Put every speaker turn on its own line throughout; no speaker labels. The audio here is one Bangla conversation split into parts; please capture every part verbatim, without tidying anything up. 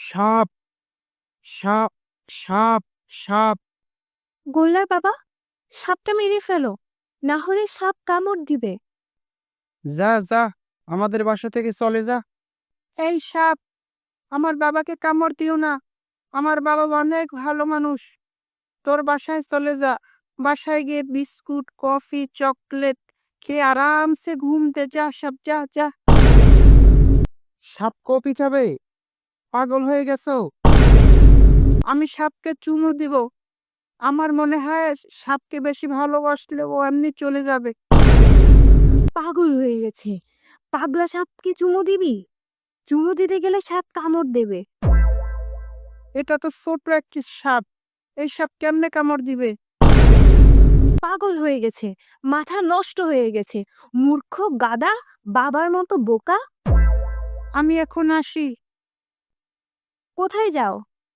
সাপ, সাপ, সাপ, সাপ।
গোল্লার বাবা, সাপটা মেরে ফেলো, না হলে সাপ কামড় দিবে।
যা যা, আমাদের বাসা থেকে চলে যা। এই সাপ, আমার বাবাকে কামড় দিও না। আমার বাবা অনেক ভালো মানুষ। তোর বাসায় চলে যা। বাসায় গিয়ে বিস্কুট, কফি, চকলেট খেয়ে আরামসে ঘুমতে যা। সাপ, যা যা। সাপ কফি খাবে? পাগল হয়ে গেছো? আমি সাপকে চুমু দিব। আমার মনে হয় সাপকে বেশি ভালোবাসলে ও এমনি চলে যাবে।
পাগল হয়ে গেছে, পাগলা সাপকে চুমু দিবি? চুমু দিতে গেলে সাপ কামড় দেবে।
এটা তো ছোট একটি সাপ, এই সাপ কেমনে কামড় দিবে?
পাগল হয়ে গেছে, মাথা নষ্ট হয়ে গেছে, মূর্খ গাদা, বাবার মতো বোকা।
আমি এখন আসি।
কোথায় যাও?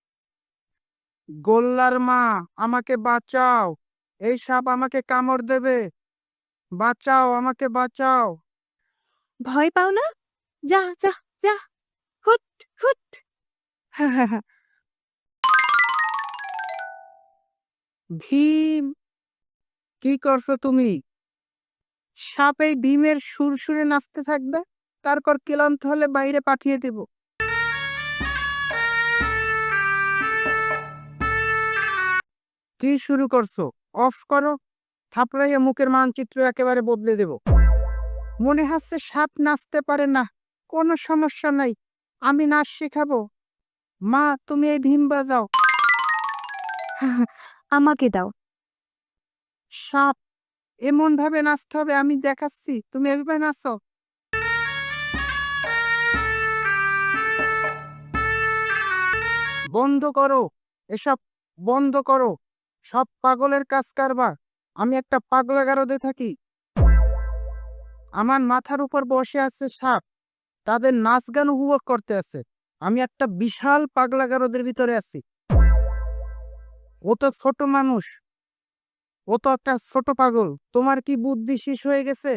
গোল্লার মা, আমাকে বাঁচাও। এই সাপ আমাকে কামড় দেবে। বাঁচাও, আমাকে বাঁচাও।
ভয় পাও না? যা যা যা, হুট হুট।
ভীম, কি করছো তুমি? সাপ এই ভীমের সুর সুরে নাচতে থাকবে, তারপর ক্লান্ত হলে বাইরে পাঠিয়ে দেব। কি শুরু করছো? অফ করো। থাপড়াইয়া মুখের মানচিত্র একেবারে বদলে দেব। মনে হচ্ছে সাপ নাচতে পারে না। কোনো সমস্যা নাই, আমি নাচ শেখাবো। মা, তুমি এই ভীম বাজাও।
আমাকে দাও।
সাপ, এমন ভাবে নাচতে হবে, আমি দেখাচ্ছি, তুমি এভাবে নাচো। বন্ধ করো, এসব বন্ধ করো। সব পাগলের কাজ কারবার। আমি একটা পাগলা গারদে থাকি। আমার মাথার উপর বসে আছে সাপ, তাদের নাচ গান উপভোগ করতে আছে। আমি একটা বিশাল পাগলা গারদের ভিতরে আছি। ও তো ছোট মানুষ, ও তো একটা ছোট পাগল। তোমার কি বুদ্ধি শেষ হয়ে গেছে?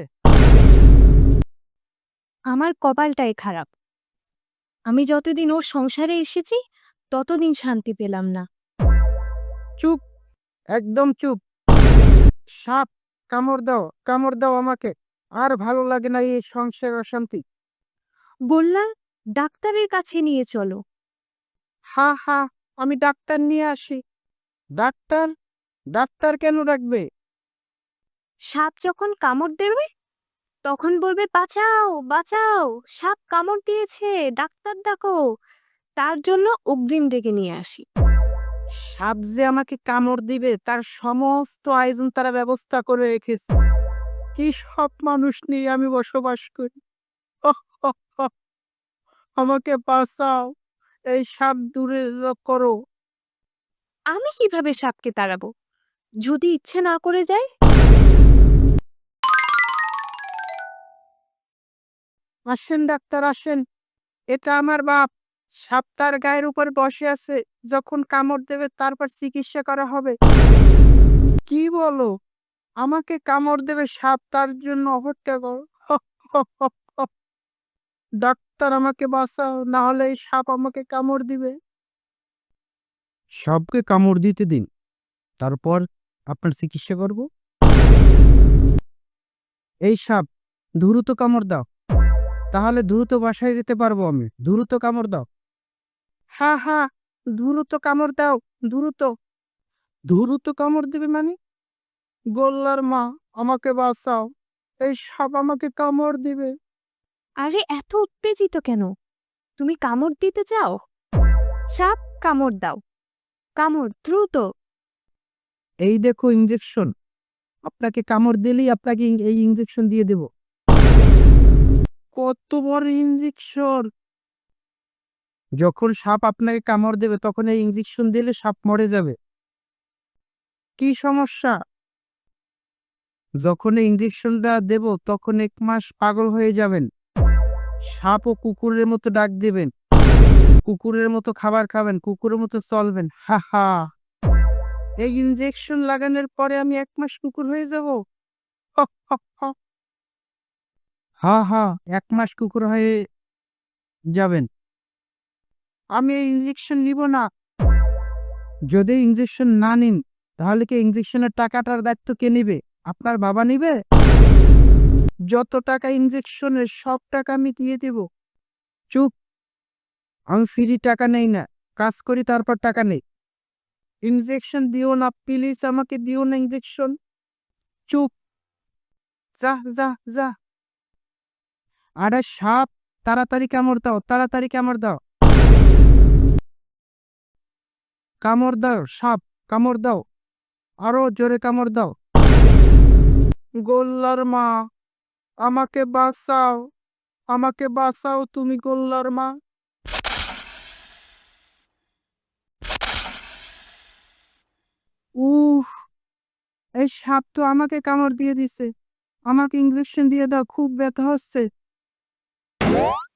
আমার কপালটাই খারাপ, আমি যতদিন ওর সংসারে এসেছি ততদিন শান্তি পেলাম না।
চুপ, একদম চুপ। সাপ, কামড় দাও, কামড় দাও আমাকে। আর ভালো লাগে না এই সংসার অশান্তি।
গোল্লা, ডাক্তারের কাছে নিয়ে চলো।
হা হা, আমি ডাক্তার নিয়ে আসি। ডাক্তার? ডাক্তার কেন ডাকবে?
সাপ যখন কামড় দেবে তখন বলবে বাঁচাও বাঁচাও, সাপ কামড় দিয়েছে, ডাক্তার ডাকো। তার জন্য অগ্রিম ডেকে নিয়ে আসি।
সাপ যে আমাকে কামড় দিবে তার সমস্ত আয়োজন তারা ব্যবস্থা করে রেখেছে। কি সব মানুষ নিয়ে আমি বসবাস করি। অহ, অহ, অহ, আমাকে বাঁচাও, এই সাপ দূরে র- করো।
আমি কিভাবে সাপকে তাড়াবো যদি ইচ্ছে না করে যায়?
আসেন ডাক্তার, আসেন। এটা আমার বাপ। সাপ তার গায়ের উপর বসে আছে, যখন কামড় দেবে তারপর চিকিৎসা করা হবে। কি বলো? আমাকে কামড় দেবে সাপ, তার জন্য অপেক্ষা করো। ডাক্তার, আমাকে বাঁচাও, না হলে এই সাপ আমাকে কামড় দিবে। সাপকে কামড় দিতে দিন, তারপর আপনার চিকিৎসা করব। এই সাপ, দ্রুত কামড় দাও, তাহলে দ্রুত বাসায় যেতে পারবো আমি। দ্রুত কামড় দাও। হ্যাঁ হ্যাঁ, দ্রুত কামড় দাও, দ্রুত। দ্রুত কামড় দিবে মানে? গোল্লার মা, আমাকে বাঁচাও, এই সাপ আমাকে কামড় দিবে।
আরে এত উত্তেজিত কেন? তুমি কামড় দিতে চাও? সাপ, কামড় দাও, কামড় দ্রুত।
এই দেখো ইঞ্জেকশন, আপনাকে কামড় দিলেই আপনাকে ইং- এই ইঞ্জেকশন দিয়ে দেব। কত বড় ইঞ্জেকশন! যখন সাপ আপনাকে কামড় দেবে তখন এই ইঞ্জেকশন দিলে সাপ মরে যাবে। কি সমস্যা? যখন এই ইঞ্জেকশনটা দেব তখন এক মাস পাগল হয়ে যাবেন। সাপ ও কুকুরের মতো ডাক দিবেন, কুকুরের মতো খাবার খাবেন, কুকুরের মতো চলবেন। হা হা। এই ইঞ্জেকশন লাগানোর পরে আমি এক মাস কুকুর হয়ে যাব? হ, হ, হ। হা হা, এক মাস কুকুর হয়ে যাবেন। আমি এই ইঞ্জেকশন নিব না। যদি ইঞ্জেকশন না নিন তাহলে কি ইঞ্জেকশনের টাকাটার দায়িত্ব কে নিবে? আপনার বাবা নিবে? যত টাকা ইঞ্জেকশনের সব টাকা আমি দিয়ে দেব। চুপ! আমি ফ্রি টাকা নেই না, কাজ করি তারপর টাকা নেই। ইঞ্জেকশন দিও না প্লিজ, আমাকে দিও না ইঞ্জেকশন। চুপ! যা যা যা। আরে সাপ, তাড়াতাড়ি কামড় দাও, তাড়াতাড়ি কামড় দাও, কামড় দাও সাপ, কামড় দাও, আরো জোরে কামড় দাও। গোল্লার মা, আমাকে বাঁচাও, আমাকে বাঁচাও তুমি গোল্লার মা। উফ! এই সাপ তো আমাকে কামড় দিয়ে দিছে। আমাকে ইঞ্জেকশন দিয়ে দাও, খুব ব্যথা হচ্ছে।